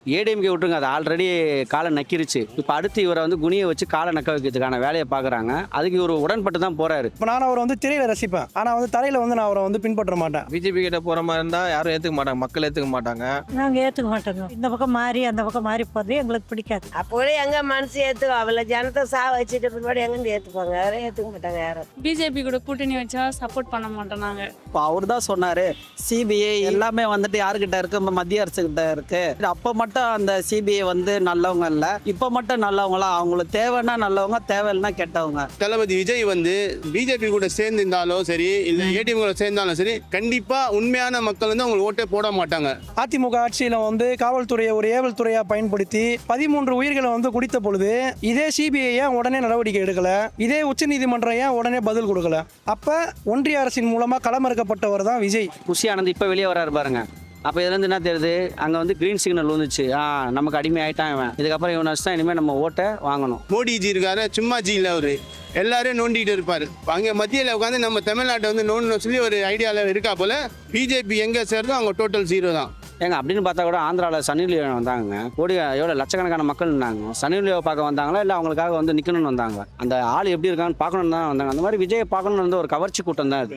ஏடிஎம்கே விட்டுருங்க, அது ஆல்ரெடி காலை நக்கிருச்சு. இப்போ அடுத்து இவரை வந்து குனியை வச்சு காலை நக்க வைக்கிறதுக்கான வேலையை பார்க்குறாங்க. அதுக்கு இவர் உடன்பட்டு தான் போறாரு. இப்போ நான் அவரை வந்து திரையில ரசிப்பேன், ஆனால் வந்து தரையில் வந்து நான் அவரை வந்து பின்பற்ற மாட்டேன். பிஜேபி கிட்ட போகிற மாதிரி இருந்தால் யாரும் ஏற்றுக்க மாட்டாங்க, மக்கள் ஏற்றுக்க மாட்டாங்க. நாங்கள் ஏற்றுக்க மாட்டோங்க. இந்த பக்கம் மாறி அந்த பக்கம் மாறி போகிறது எங்களுக்கு பிடிக்காது. அப்போ எங்க மனசு ஏற்றுக்கும், அவளை ஜனத்தை வச்சுட்டு பிற்பாடு எங்கேருந்து ஏற்றுப்பாங்க? யாரும் ஏற்றுக்க மாட்டாங்க. யாரும் பிஜேபி கூட கூட்டணி வச்சா சப்போர்ட் பண்ண மாட்டோம் நாங்க. இப்போ அவர் தான் சொன்னாரு, சிபிஐ எல்லாமே வந்துட்டு யாருக்கிட்ட இருக்கு, மத்திய அரசு கிட்ட இருக்கு. அப்போ மட்டும் அந்த சிபிஐ வந்து நல்லவங்க இல்ல, இப்போ மட்டும் நல்லவங்களா? அவங்களுக்கு தேவைன்னா நல்லவங்க, தேவையில்லைன்னா கெட்டவங்க. தளபதி விஜய் வந்து பிஜேபி கூட சேர்ந்திருந்தாலும் சரி, இல்லை ஏடிஎம் கூட சேர்ந்தாலும் சரி, கண்டிப்பா உண்மையான மக்கள் வந்து அவங்களுக்கு ஓட்டே போட மாட்டாங்க. அதிமுக ஆட்சியில் வந்து காவல்துறையை ஒரு ஏவல் துறையாக பயன்படுத்தி 13 உயிர்களை வந்து குடித்த பொழுது இதே சிபிஐ ஏன் உடனே நடவடிக்கை எடுக்கல? இதே உச்சநீதிமன்றம் ஏன் உடனே பதில் கொடுக்கல? அப்போ ஒன்றிய அரசின் மூலமாக களமிறக்கப்பட்டவர் தான் விஜய். குஷி ஆனந்த் இப்போ வெளியே வராரு பாருங்க. அப்போ இதுலேருந்து என்ன தெரியுது, அங்கே வந்து கிரீன் சிக்னல் வந்துச்சு. நமக்கு அடிமை ஆகிட்டான் இவன், இதுக்கப்புறம் இவனை வச்சு தான் இனிமேல் நம்ம ஓட்டை வாங்கணும். மோடிஜி இருக்காரு, சும்மா ஜி இல்லை, அவரு எல்லாரும் நோண்டிட்டு இருப்பாரு. அங்கே மத்தியில் உட்காந்து நம்ம தமிழ்நாட்டை வந்து நோண்டணும் சொல்லி ஒரு ஐடியாவில் இருக்கா போல. பிஜேபி எங்கே சேருதோ அவங்க டோட்டல் 0 தான். ஏங்க அப்படின்னு பார்த்தா கூட ஆந்திராவில் சன்னி லியோன் வந்தாங்க. கோடி எவ்வளோ லட்சக்கணக்கான மக்கள் இருந்தாங்க. சன்னி லியோவை பார்க்க வந்தாங்களா, இல்லை அவங்களுக்காக வந்து நிற்கணும்னு வந்தாங்க? அந்த ஆள் எப்படி இருக்கான்னு பார்க்கணுன்னு தான் வந்தாங்க. அந்த மாதிரி விஜயை பார்க்கணுன்னு வந்து ஒரு கவர்ச்சி கூட்டம் தான் அது.